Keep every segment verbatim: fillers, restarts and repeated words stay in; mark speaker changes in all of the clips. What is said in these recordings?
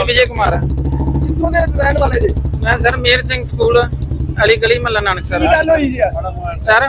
Speaker 1: ਵਿਜੇ ਕੁਮਾਰ।
Speaker 2: ਕਿੱਥੋਂ ਦੇ ਰਹਿਣ ਵਾਲੇ ਜੀ?
Speaker 1: ਮੈਂ ਸਰ ਮੇਰ ਸਿੰਘ ਸਕੂਲ ਅਲੀ ਗਲੀ ਮਹੱਲਾ ਨਾਨਕ ਸਰ।
Speaker 2: ਕੀ ਗੱਲ ਹੋਈ ਜੀ
Speaker 1: ਸਰ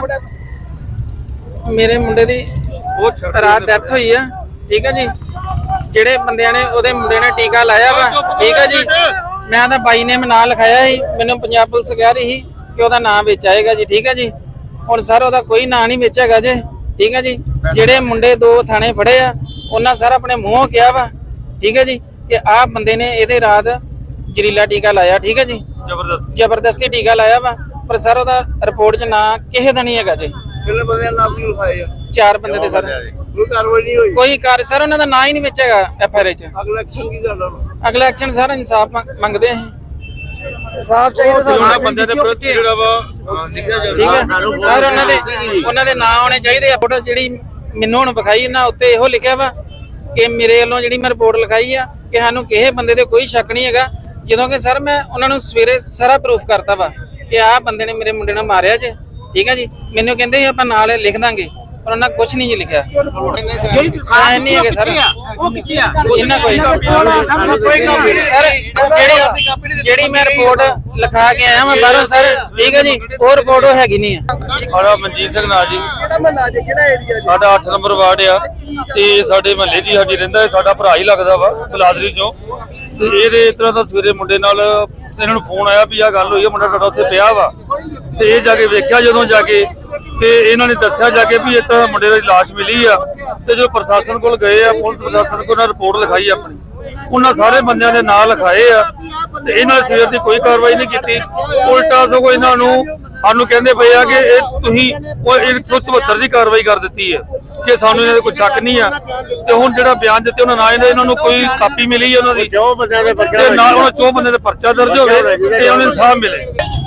Speaker 1: ਮੇਰੇ ਮੁੰਡੇ ਦੀ ਰਾਤ ਡੈਥ ਹੋਈ ਆ, ਠੀਕ ਹੈ ਜੀ। ਜਿਹੜੇ ਬੰਦਿਆਂ ਨੇ ਉਹਦੇ ਮੁੰਡੇ ਨੇ ਟੀਕਾ ਲਾਇਆ ਵਾ, ਠੀਕ ਹੈ ਜੀ। ਮੈਂ ਤਾਂ ਬਾਈ ਨੇ ਨਾਂ ਲਿਖਾਇਆ ਸੀ, ਮੈਨੂੰ ਪੰਜਾਬ ਪੁਲਿਸ ਕਹਿ ਰਹੀ ਸੀ ਕਿ ਉਹਦਾ ਨਾਂ ਵਿੱਚ ਆਏਗਾ ਜੀ, ਠੀਕ ਹੈ ਜੀ। ਹੁਣ ਸਰ ਉਹਦਾ ਕੋਈ ਨਾਂ ਨਹੀਂ ਵਿੱਚ ਹੈਗਾ ਜੀ, ਠੀਕ ਹੈ ਜੀ। ਜਿਹੜੇ ਮੁੰਡੇ ਦੋ ਥਾਣੇ ਫੜੇ ਆ ਉਹਨਾਂ ਸਰ ਆਪਣੇ ਮੂੰਹੋਂ ਕਿਹਾ ਵਾ, ਠੀਕ ਹੈ ਜੀ, ਕਿ ਆਹ ਬੰਦੇ ਨੇ ਇਹਦੇ ਰਾਤ ਜ਼ਹਿਰੀਲਾ ਟੀਕਾ ਲਾਇਆ, ਠੀਕ ਹੈ ਜੀ। ਜ਼ਬਰਦਸਤੀ ਜ਼ਬਰਦਸਤੀ ਟੀਕਾ ਲਾਇਆ ਵਾ, ਪਰ ਸਰ ਉਹਦਾ ਰਿਪੋਰਟ 'ਚ ਨਾਂ ਕਿਸੇ ਦਾ ਨਹੀਂ ਹੈਗਾ ਜੀ।
Speaker 2: ਕਿੰਨੇ ਬੰਦਿਆਂ ਨਾਮ ਵੀ ਲਿਖਾਏ ਆ?
Speaker 1: ਚਾਰ ਬੰਦੇ ਤੇ ਸਰ
Speaker 2: ਕੋਈ ਕਾਰਵਾਈ ਨਹੀਂ ਹੋਈ?
Speaker 1: ਕੋਈ ਕਾਰ ਸਰ ਉਹਨਾਂ ਦਾ ਨਾਂ ਹੀ ਨਹੀਂ ਵਿੱਚ ਹੈਗਾ ਐਫ ਆਰ ਆਈ 'ਚ।
Speaker 2: ਅਗਲਾ ਐਕਸ਼ਨ ਕੀ ਕਰਨਾ?
Speaker 1: ਅਗਲਾ ਐਕਸ਼ਨ ਸਰ ਇਨਸਾਫ ਮੰਗਦੇ ਆਂ।
Speaker 2: ਇਨਸਾਫ ਚਾਹੀਦਾ
Speaker 1: ਸਾਨੂੰ ਬੰਦੇ ਦੇ ਪ੍ਰਤੀ ਜਿਹੜਾ ਵਾ, ਠੀਕ ਹੈ ਸਰ। ਉਹਨਾਂ ਦੇ ਉਹਨਾਂ ਦੇ ਨਾਂ ਆਉਣੇ ਚਾਹੀਦੇ ਆ। ਫੋਟੋ ਜਿਹੜੀ ਮੈਨੂੰ ਹੁਣ ਵਿਖਾਈ ਨਾ ਉੱਤੇ ਇਹੋ ਲਿਖਿਆ ਵਾ ਕਿ ਮੇਰੇ ਵੱਲੋਂ ਜਿਹੜੀ ਮੈਂ ਰਿਪੋਰਟ ਲਿਖਾਈ ਆ ਕਿ ਸਾਨੂੰ ਕਿਸੇ ਬੰਦੇ ਤੇ ਕੋਈ ਸ਼ੱਕ ਨਹੀਂ ਹੈਗਾ, ਜਦੋਂ ਕਿ ਸਰ ਮੈਂ ਉਹਨਾਂ ਨੂੰ ਸਵੇਰੇ ਸਾਰਾ ਪ੍ਰੂਫ ਕਰਤਾ ਵਾ ਕਿ ਆਹ ਬੰਦੇ ਨੇ ਮੇਰੇ ਮੁੰਡੇ ਨੂੰ ਮਾਰਿਆ ਜੇ, ਠੀਕ ਹੈ ਜੀ। ਮੈਨੂੰ ਕਹਿੰਦੇ ਆਪਾਂ ਨਾਲ ਲਿਖ ਦਾਂਗੇ, ਪਰ ਉਹਨਾਂ ਕੁਝ ਨਹੀਂ ਜੀ ਲਿਖਿਆ। ਸਾਈਨ ਨਹੀਂ ਹੈਗੇ ਸਰ।
Speaker 3: ਉਹ ਕਿੱਥੇ ਆ?
Speaker 1: ਇਹਨਾਂ ਕੋਈ
Speaker 2: ਕੋਈ ਕਾਪੀ ਨਹੀਂ
Speaker 1: ਸਰ। ਜਿਹੜੀ ਜਿਹੜੀ ਮੈਂ ਰਿਪੋਰਟ ਲਿਖਾ ਕੇ ਆਇਆ ਮੈਂ ਬਾਹਰੋਂ ਸਰ, ਠੀਕ ਹੈ ਜੀ। ਉਹ ਰਿਪੋਰਟ ਉਹ ਹੈਗੀ ਨਹੀਂ ਆ।
Speaker 4: ਸਾਡਾ ਮਨਜੀਤ ਸਿੰਘ ਨਾਂ ਜੀ,
Speaker 2: ਕਿਹੜਾ ਮਹੱਲਾ ਜੀ, ਕਿਹੜਾ ਏਰੀਆ ਜੀ?
Speaker 4: ਸਾਡਾ ਅੱਠ ਨੰਬਰ ਵਾਰਡ ਆ ਤੇ ਸਾਡੇ ਮਹੱਲੇ ਦੀ ਸਾਡੀ ਰਹਿੰਦਾ ਹੈ, ਸਾਡਾ ਭਰਾ ਹੀ ਲੱਗਦਾ ਵਾ ਬਲਾਦਰੀ ਚੋਂ। ਤੇ ਇਹਦੇ ਇਸ ਤਰ੍ਹਾਂ ਦਾ ਸਵੇਰੇ ਮੁੰਡੇ ਨਾਲ ਇਹਨਾਂ ਨੂੰ ਫੋਨ ਆਇਆ ਵੀ ਆਹ ਗੱਲ ਹੋਈ ਆ, ਮੁੰਡਾ ਤੁਹਾਡਾ ਉੱਥੇ ਪਿਆ ਵਾ। ਤੇ ਇਹ ਜਾ ਕੇ ਵੇਖਿਆ ਜਦੋਂ ਜਾ ਕੇ, ਤੇ ਇਹਨਾਂ ਨੇ ਦੱਸਿਆ ਜਾ ਕੇ ਵੀ ਇੱਥੇ ਮੁੰਡੇ ਦੀ ਲਾਸ਼ ਮਿਲੀ ਆ। ਤੇ ਜੋ ਪ੍ਰਸ਼ਾਸਨ ਕੋਲ ਗਏ ਆ, ਪੁਲਿਸ ਪ੍ਰਸ਼ਾਸਨ ਕੋਲ ਉਹਨਾਂ ਰਿਪੋਰਟ ਲਿਖਾਈ ਆਪਣੀ, ਉਹਨਾਂ ਸਾਰੇ ਬੰਦਿਆਂ ਦੇ ਨਾਂ ਲਿਖਾਏ ਆ। ਤੇ ਇਹਨਾਂ ਸਵੇਰ ਦੀ ਕੋਈ ਕਾਰਵਾਈ ਨਹੀਂ ਕੀਤੀ, ਉਲਟਾ ਸਗੋਂ ਇਹਨਾਂ ਨੂੰ ਸਾਨੂੰ ਕਹਿੰਦੇ ਪਏ ਆ ਕਿ ਇਹ ਤੁਸੀਂ ਇੱਕ ਸੌ ਚੁਹੱਤਰ ਦੀ ਕਾਰਵਾਈ ਕਰ ਦਿੱਤੀ ਹੈ ਕਿ ਸਾਨੂੰ ਇਹਨਾਂ ਦੇ ਕੋਈ ਸ਼ੱਕ ਨਹੀਂ ਆ। ਤੇ ਹੁਣ ਜਿਹੜਾ ਬਿਆਨ ਦਿੱਤੇ ਉਹਨਾਂ ਨਾਲ ਇਹਨਾਂ ਨੂੰ ਕੋਈ ਕਾਪੀ ਮਿਲੀ ਹੈ ਉਹਨਾਂ ਦੀ,
Speaker 2: ਜੋ ਬੰਦਿਆਂ ਦੇ
Speaker 4: ਤੇ ਨਾਲ ਉਹਨਾਂ ਚੌ ਬੰਦੇ ਦੇ ਪਰਚਾ ਦਰਜ ਹੋਵੇ ਤੇ ਉਹਨਾਂ ਨੂੰ ਇਨਸਾਫ ਮਿਲੇ।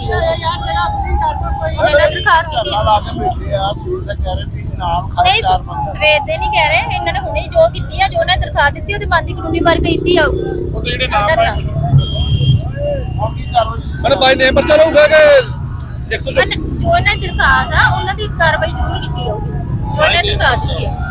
Speaker 5: ਨਹੀਂ ਸਵੇਰ ਦੇ ਨਹੀਂ ਕਹਿ ਰਹੇ, ਇਹਨਾਂ ਨੇ ਹੁਣੇ ਜੋ ਕੀਤੀ ਆ, ਜੋ ਉਹਨਾਂ ਨੇ ਦਰਖਾਸਤ ਦਿੱਤੀ ਉਹਦੀ ਬੰਦੀ ਕਾਨੂੰਨੀ ਵਰਕ ਕੀਤੀ ਆ। ਉਹ ਜਿਹੜੇ ਨਾਮ
Speaker 2: ਮਤਲਬ ਬਾਈ ਨੇ ਬੱਚਾ ਰਹੂਗਾ ਕਿ
Speaker 5: ਜੋ ਇਹਨਾਂ ਦੀ ਦਰਖਾਸਤ ਆ ਉਹਨਾਂ ਦੀ ਕਾਰਵਾਈ ਜ਼ਰੂਰ ਕੀਤੀ ਜਾਊਗੀ, ਜੋ ਇਹਨਾਂ ਦੀ ਦਰਖਾਸਤ ਦਿੱਤੀ ਹੈ।